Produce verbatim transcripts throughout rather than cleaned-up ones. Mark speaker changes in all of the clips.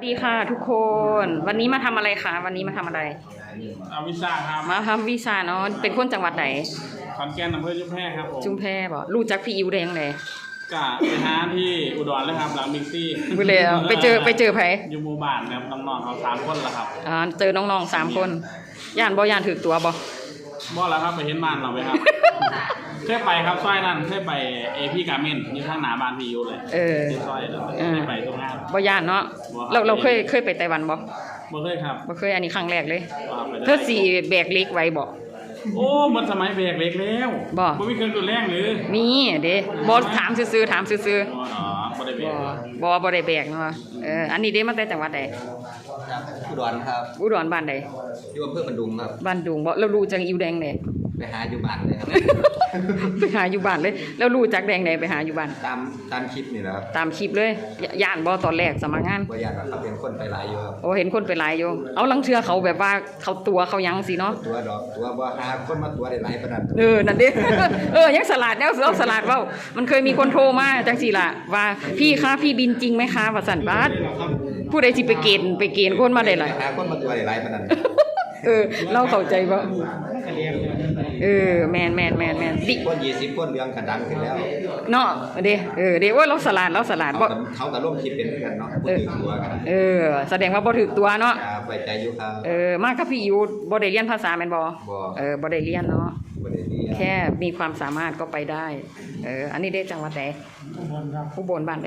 Speaker 1: ดีค่ะทุกคนวันนี้มาทำอะไรคะวันนี้มาทำอะไร
Speaker 2: เอาวิซ่าครับ
Speaker 1: มาทำวีซ่าเนาะเป็นคนจังหวัดไหน
Speaker 2: ขอนแก่นอำเภอจุ๊บแพครับผม
Speaker 1: จุ๊บแพบ่รู้จักพี่อิวแดงเลย
Speaker 2: กะไปหาที่อุดรเลยครับหลังมิกซี่
Speaker 1: ไปเลยไปเจอไปเจอไผ
Speaker 2: อยู่หมู่บ้านครับน้องๆเขาสามคนละครับ
Speaker 1: อ่าเจอน้องๆสามคนย่านบ่ย่านถือตัวบ่
Speaker 2: บ่แล้วครับไปเห็นบ้านเราไปครับเคยไปครับซอยนั่นเคยไปเอพีการ์เมนต์อยู่ข้างหน้าบ้านพี่อิวเลย
Speaker 1: เออ
Speaker 2: ซอยเลยเคยไปตรงนั้น
Speaker 1: บ่ย่านเนาะเราเราเคยเคยไปไต้หวันบ่
Speaker 2: บ่เคยครับ
Speaker 1: บ่เคยอันนี้ครั้งแรกเลยเธอสิแบกเล็กไว้บ่
Speaker 2: โอ้มันสมัยแบกเล็กแล้ว
Speaker 1: บ่
Speaker 2: บ่มีเครื่องดูดแรงหรือ
Speaker 1: มีเด้บ่ถามซื่อๆถามซื่อ
Speaker 2: ๆอ๋อบ่ได้แบก
Speaker 1: บ่บ่ได้แบกเนาะเอออันนี้เด้มาแต่จังหวัดใด
Speaker 3: อุดรครับ
Speaker 1: อุดรบ้านใด
Speaker 3: อยู่อำเภอบันดุงครับ
Speaker 1: บ้านดุงบ่แล้วรู้จักอิวแดงเด้
Speaker 3: ไปหาอยู่บ้านเลยครับ
Speaker 1: ไปหาอยู่บ้านเลยแล้วรู้จักแดงใดไปหาอยู่บ้าน
Speaker 3: ตามตามคลิปนี่นะครับ
Speaker 1: ตามคลิปเลยย่านบ่ตอนแรกสมัครงาน
Speaker 3: บ่ย่านครับเป็นคนไปหลายอยู่ครับ
Speaker 1: โอ้เห็นคนไปหลายอยู่เอาลังเทื่อเขาแบบว่าเขาตัวเขายังสิเนาะ
Speaker 3: ตัวดอกตัวบ่หาคนมาตัวได้หลายปานนั้น
Speaker 1: เออนั่นดิเออยังสลัดแล้วเอาสลัดเว้ามันเคยมีคนโทรมาจังซี่ล่ะว่าพี่คะพี่บินจริงไหมคะว่าสั่นบาดผู้ใดสิไปเกณฑ์ไปเกณฑ์คนมาได้หลาย
Speaker 3: หาคนมาตัวได้หลายปานนั้น
Speaker 1: เออเราเข้าใจบ่เออแมนแมนแมนแมน
Speaker 3: ดิคนยี่สิบคนเรื่องกระดังขึ้นแล้ว
Speaker 1: เนาะเด้เออเด้ว่าเราสลัดเราสลัดบ่
Speaker 3: เขาก็ร่วมคิดเป็นกันเนาะบ่ถือตัวกัน
Speaker 1: เออแสดงว่าบ่ถือตัวเนาะ
Speaker 3: ครับไว้ใจอยู่ครับ
Speaker 1: เออมากับพี่อิวบ่ได้เรียนภาษาแม่นบ่
Speaker 3: บ่
Speaker 1: เออบ่ได้เรียนเนาะ
Speaker 3: บ่ได้เรียน
Speaker 1: แค่มีความสามารถก็ไปได้เอออันนี้ได้จังหวัดใด
Speaker 2: อุบลครับ
Speaker 1: อุบลบ้านใด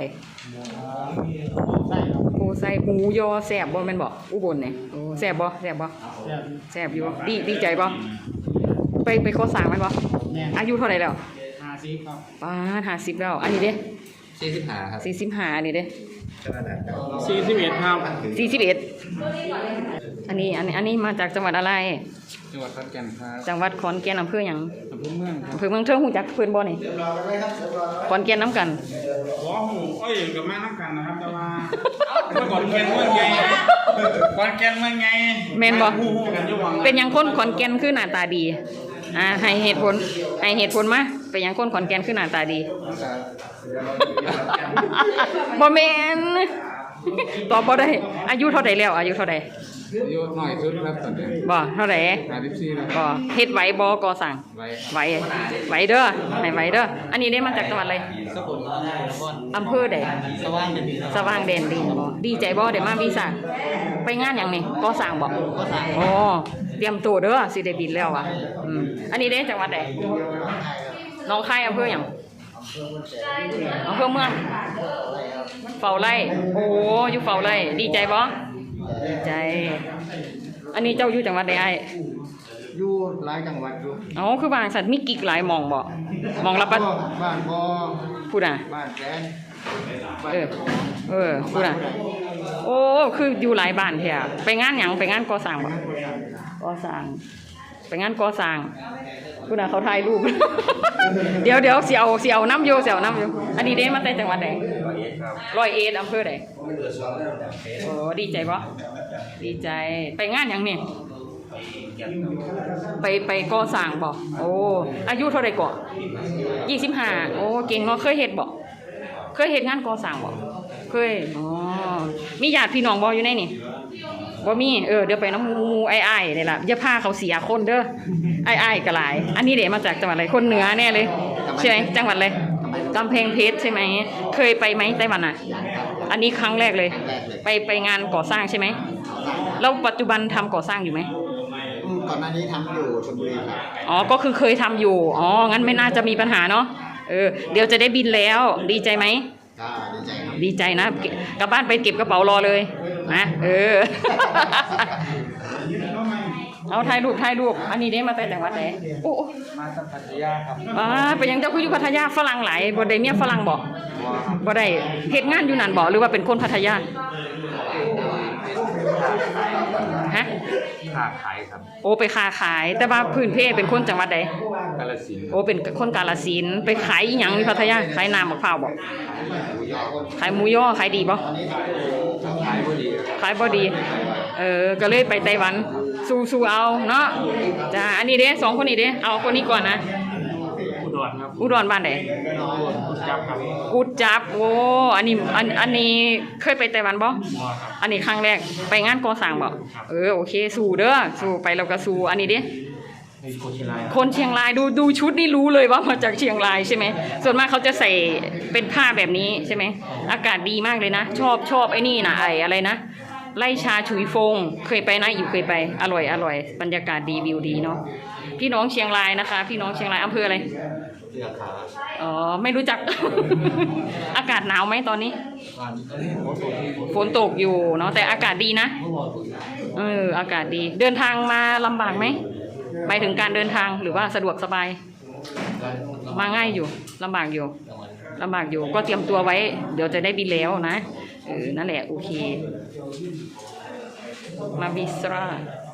Speaker 1: โอ้ใส่หมูยอแซ่บบ่แม่นบ่อุบลนี่โอ้แซ่บบ่แซ่บบ่แซ่บอยู่ดีดีใจบ่ไปไปโคสร้างแม่นบ่อายุเท่าไหร่แล้ว
Speaker 2: ห้าสิบครับ
Speaker 1: ป้าห้าสิบแล้วอันนี้เด้
Speaker 3: สี่สิบห้าครับ
Speaker 1: สี่สิบห้าอันนี้เด้
Speaker 2: สี่สิบเอ็ดครับ
Speaker 1: สี่สิบเอ็ดอันนี้อันนี้อันนี้มาจากจังหวัดอะไร
Speaker 2: จังหวัดขอนแก่นครับ
Speaker 1: จังหวัดขอนแก่นอำเภอหยัง
Speaker 2: อำเภอเมือง
Speaker 1: อำเภอเมืองเทิงฮู้จักเพิ่นบ่นี่ขอนแก่นนำกัน
Speaker 2: บ่ฮู้เอ้ยก็มานำกันนะครับแต่ว่าเมื่อก่อนแก่นเมืองใหญ่ขอนแก่นเมืองใหญ่
Speaker 1: แม่นบ่เป็นหยังคนขอนแก่นคือหน้าตาดีอ่าให้เหตุผลให้เหตุผลมาเป็นหยังคนขอนแก่นคือหน้าตาดีบ่แม่นตอบบ่ได้อายุเท่าใดแล้วอายุเท่าใด
Speaker 2: อายุน้อยสุดครับตอนนี้
Speaker 1: บ่เท่าใด
Speaker 2: ห้าสิบสี่แล้ว
Speaker 1: บ่เฮ็ดไหวบ่ก่อสร้างไหวไหวเด้อให้ไหวเด้ออันนี้ได้มาจากจังหวัดอะไร
Speaker 3: สกลนคร
Speaker 1: อำเภอใด
Speaker 3: สว่างแดนดิน
Speaker 1: สว่างแดนดินบ่ดีใจบ่ได้มาวีซ่าไปงานหยังนี่ก่อสร้างบ่
Speaker 3: ก่อสร้าง
Speaker 1: อ๋อเตรียมตัวเด้อสิได้บินแล้วว่ะอืมอันนี้ได้จังหวัดใดหนองคายอำเภอหยังอำเภอเมืองเฝ้าไร่โอ้อยู่เฝ้าไร่ดีใจบ่ดีใจอันนี้เจ้าอยู่จังหวัดใดอ้าย
Speaker 3: อยู่หลายจังหวัดอยู่
Speaker 1: อ๋อคือบ้านสัตว์มีกิ๊กหลายหม่องบ่หม่องละปัด
Speaker 3: บ้านบ่
Speaker 1: พูดน่ะ
Speaker 3: บ้านแสน
Speaker 1: เออเออพูดน่ะโอ้คืออยู่หลายบ้านแท้ไปงานหยังไปงานก่อสร้างบ่ก่อสร้างไปงานก่อสร้างพูดน่ะเขาถ่ายรูปเดี๋ยวเดี๋ยวสิเอาสิเอาน้ำอยู่สิเอาน้ำอยู่อันนี้เด้มาแต่จังหวัดใดร้อยเอ็ดอำเภอใดโอ้ดีใจบ่ดีใจไปงานหยังนี่ไปไปก่อสร้างบ่โอ้อายุเท่าใดก่อยี่สิบห้าโอ้เก่งเนาะเคยเฮ็ดบ่เคยเฮ็ดงานก่อสร้างบ่เคยอ๋อมีญาติพี่น้องบ่อยู่ในนี่บ่มีเออเดี๋ยวไปน้ำมูมูไอ้อ้ายนี่ล่ะอย่าพาเขาเสียคนเด้อไอ้อ้ายก็หลายอันนี้เด้มาจากจังหวัดอะไรคนเหนือแน่เลยใช่มั้ยจังหวัดอะไรกำแพงเพชรใช่ไหมเคยไปไหมไต้หวันอ่ะอันนี้ครั้งแรกเลยไปไปงานก่อสร้างใช่ไหมแล้วปัจจุบันทำก่อสร้างอยู่ไหม
Speaker 3: ก่อนหน้านี้ทำอยู่ชลบุรีครับ
Speaker 1: อ๋อก็คือเคยทำอยู่อ๋องั้นไม่น่าจะมีปัญหาเนาะเออเดี๋ยวจะได้บินแล้วดีใจไหม
Speaker 3: ดีใจครับ
Speaker 1: ดีใจนะกลับบ้านไปเก็บกระเป๋ารอเลยนะเออเอาถ่ายรูปถ่ายรูปอันนี้ได้มาแต่จังหวัดไหนโอ้
Speaker 3: มาจากพัทยาครับ
Speaker 1: อ่าไปยังเจ้าคืออยู่พัทยาฝรั่งหลายบ่ได้เมียฝรั่งบ่บ่ได้เฮ็ดงานอยู่นั่นบ่หรือว่าเป็นคนพัทยาฮะ
Speaker 3: ค้าขายครับ
Speaker 1: โอ้ไปค้าขายแต่ว่าพื้นเพเป็นคนจังหวัดใด
Speaker 3: กาฬสินธุ์
Speaker 1: โอ้เป็นคนกาฬสินธุ์ไปขายอีหยังที่พัทยาขายน้ำมะพร้าวบ่ขายหมูย่อขายดีบ่
Speaker 3: ขายบ่ดี
Speaker 1: ขายบ่ดีเออก็เลยไปไต้หวันสู้ๆเอาเนาะจ้าอันนี้เด้สองคนนี้เด้เอาคนนี้ก่อนนะ
Speaker 2: อุดรครับ
Speaker 1: อุดรบ้านใด
Speaker 3: อุดร
Speaker 2: อยู่กุดจับครับ
Speaker 1: กูดจับโอ้อันนี้อันอันนี้เคยไปไต้หวันบ่
Speaker 2: บ่ครับ
Speaker 1: อันนี้ครั้งแรกไปงานก่อสร้างบ่เออโอเคสู้เด้อสู้ไปแล้วก็สู้อันนี้ดิ
Speaker 2: ในโคชิไล
Speaker 1: คนเชียงรายดูดูชุดนี่รู้เลยว่ามาจากเชียงรายใช่ไหมส่วนมากเขาจะใส่เป็นผ้าแบบนี้ใช่ไหมอากาศดีมากเลยนะ ชอบชอบไอ้นี่นะไออะไรนะไล่ชาฉุยฟงเคยไปนะอยู่เคยไปอร่อยอร่อยบรรยากาศดีวิวดีเนาะพี่น้องเชียงรายนะคะ พี่น้องเชียงรายอำเภออะไร
Speaker 3: เสื้อขาว
Speaker 1: อ๋อไม่รู้จัก อากาศหนาวไหมตอนนี้
Speaker 3: วันนี้ผมตัวที่ผม
Speaker 1: ฝนตกอยู่เนาะแต่อากาศดีนะ
Speaker 3: เมื่อวานผม
Speaker 1: เอออากาศดีเดินทางมาลำบากไหมไปถึงการเดินทางหรือว่าสะดวกสบาย มาง่ายอยู่ลำบากอยู่ลำบากอยู่ก็เตรียมตัวไว้ เดี๋ยวจะได้บินแล้วนะเออนั่นแหละโอเคมาบิสรา